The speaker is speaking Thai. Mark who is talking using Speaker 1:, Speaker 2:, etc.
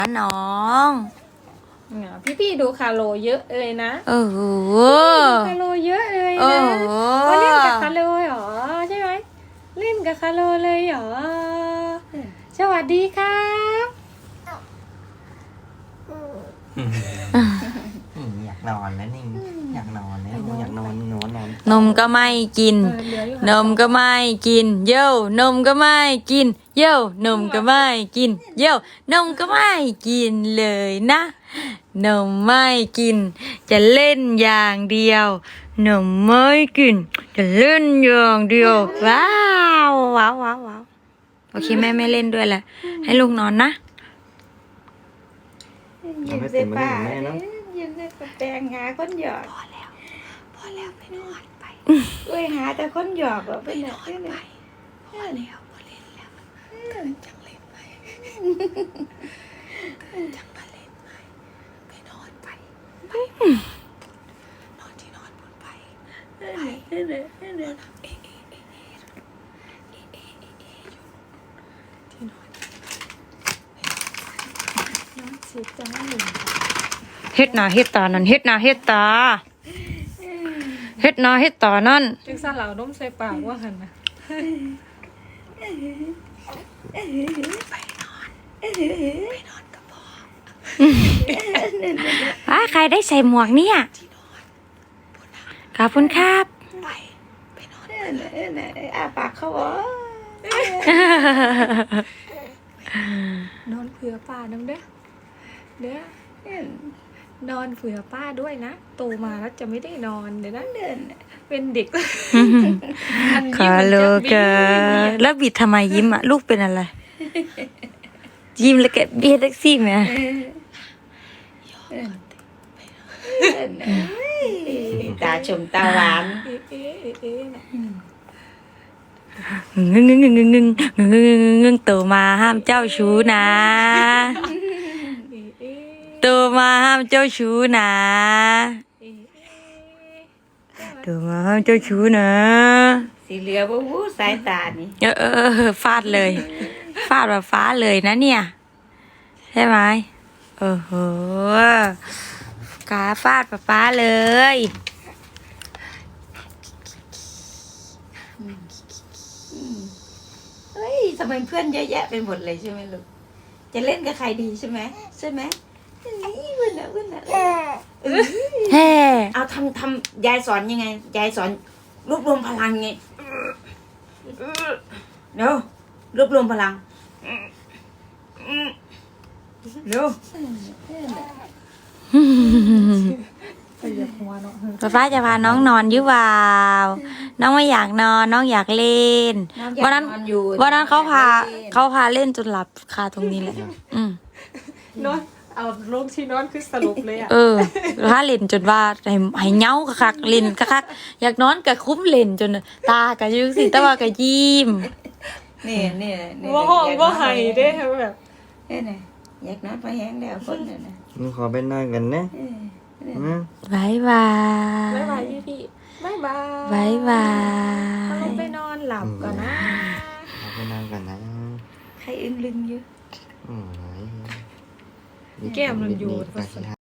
Speaker 1: น้อง
Speaker 2: พี่ดูคาโลเยอะเลยนะ
Speaker 1: โอ้โห
Speaker 2: คาโลเยอะเลย
Speaker 1: โอ้
Speaker 2: นะ
Speaker 1: โห
Speaker 2: ว่าเล่นกับคาโลเหรอใช่ไหมเล่นกับคาโลเลยเหรอสวัสดีครับ
Speaker 3: อยากนอนแล้วนี่อยากนอนแล้วอยากนอนนอน
Speaker 1: นมก็ไม่กิน นมก็ไม่กิน เย้นมก็ไม่กิน เย้นมก็ไม่กิน เย้นมก็ไม่กินเลยนะ นมไม่กิน จะเล่นอย่างเดียว นมไม่กิน จะเล่นอย่างเดียว ว้าวว้าวว้าวว้าวโอเคแม่ไม่เล่นด้วยแหละให้ลูกนอนนะ
Speaker 3: ยิ้มใส่ป้า
Speaker 2: ยิ้มใส่แปลงหาคนหยอกพอแล้วไปนอนไปเอ้ยหาแต่คนหยอกไปนอนไปพอแล้วพอเล่นแล้วจังเล่นไปจังมาเล่นไปไปนอนไปนอนที่นอนบนไปนอนที่นอนนอนสิจ้าหนึ่ง
Speaker 1: เฮ็ดหน้าเฮ็ดตานั่นเฮ็ดหน้าเฮ็ดตาเฮ็ดหน้าเฮ็ดตานั่น
Speaker 2: จึงสั่นเหล่าน้มใส่ปากว่าหันนะไปนอนกับพ่อ
Speaker 1: ใครได้ใส่หมวกเนี่ยขอบคุณครับ
Speaker 2: ไปนอนอาปากเขาเหรอนอนเผื่อป้าน้ำเด้อนอนเผื่อป้าด้วยนะโตมาแล้วจะไม่ได้นอนเดี๋ยวนะเป็นเด็ก
Speaker 1: คาโลกาแล้วบิดทำไมยิ้มอ่ะลูกเป็นอะไร ยิ้มแล้วแกเบี้ยแท็กซี่ไหม
Speaker 2: ตาชมตาหวาน
Speaker 1: งึงงึงงึงงึงงึงงึงงึงโตมาห้ามเจ้าชู้นะโตมาห้ามเจ้าชู้นะโตมาห้ามเจ้าชู้นะ
Speaker 2: สีเหลือบู๊สายตานี่
Speaker 1: ฟาดเลยฟาดแบบฟ้าเลยนะเนี่ยใช่ไหมโอ้โหกาฟาดฟ้าเลย
Speaker 2: เฮ้ยทำไมเพื่อนเยอะแยะไปหมดเลยใช่ไหมลูกจะเล่นกับใครดีใช่ไหมเพื่อน
Speaker 1: เฮ้
Speaker 2: เอาทำยายสอนยังไงยายสอนรวบรวมพลังไงเร็วรวบรวมพลังเร็ว
Speaker 1: ฟ้าจะพาน้องนอนหรือเปล่าน้องไม่อยากนอนน้องอยากเล่นวันนั้นเขาพาเล่นจนหลับคาตรงนี้แหละ
Speaker 2: นอนเอาลงที่นอนคือสรุปเลยอ่ะ
Speaker 1: ถ้าเล่นจนว่าให้เงาคักเล่นคักอยากนอนกับคุ้มเล่นจนตากะยุสิตะว่ากะยิ้ม
Speaker 2: นี่ว่าห้องว่าไห้ได้แบบนี่อยากนอนไปแห้งแล้วคนน่ะนะ
Speaker 3: ขอไปนอนกันนะ
Speaker 1: บายบาย
Speaker 2: พี่บาย
Speaker 1: บาย
Speaker 2: ลงไปนอนหลับก่อนนะ
Speaker 3: ไปนอนกันนะ
Speaker 2: ใครอึ้งลึงเยอะ
Speaker 3: โอ้ย
Speaker 2: แก้มมันอยู่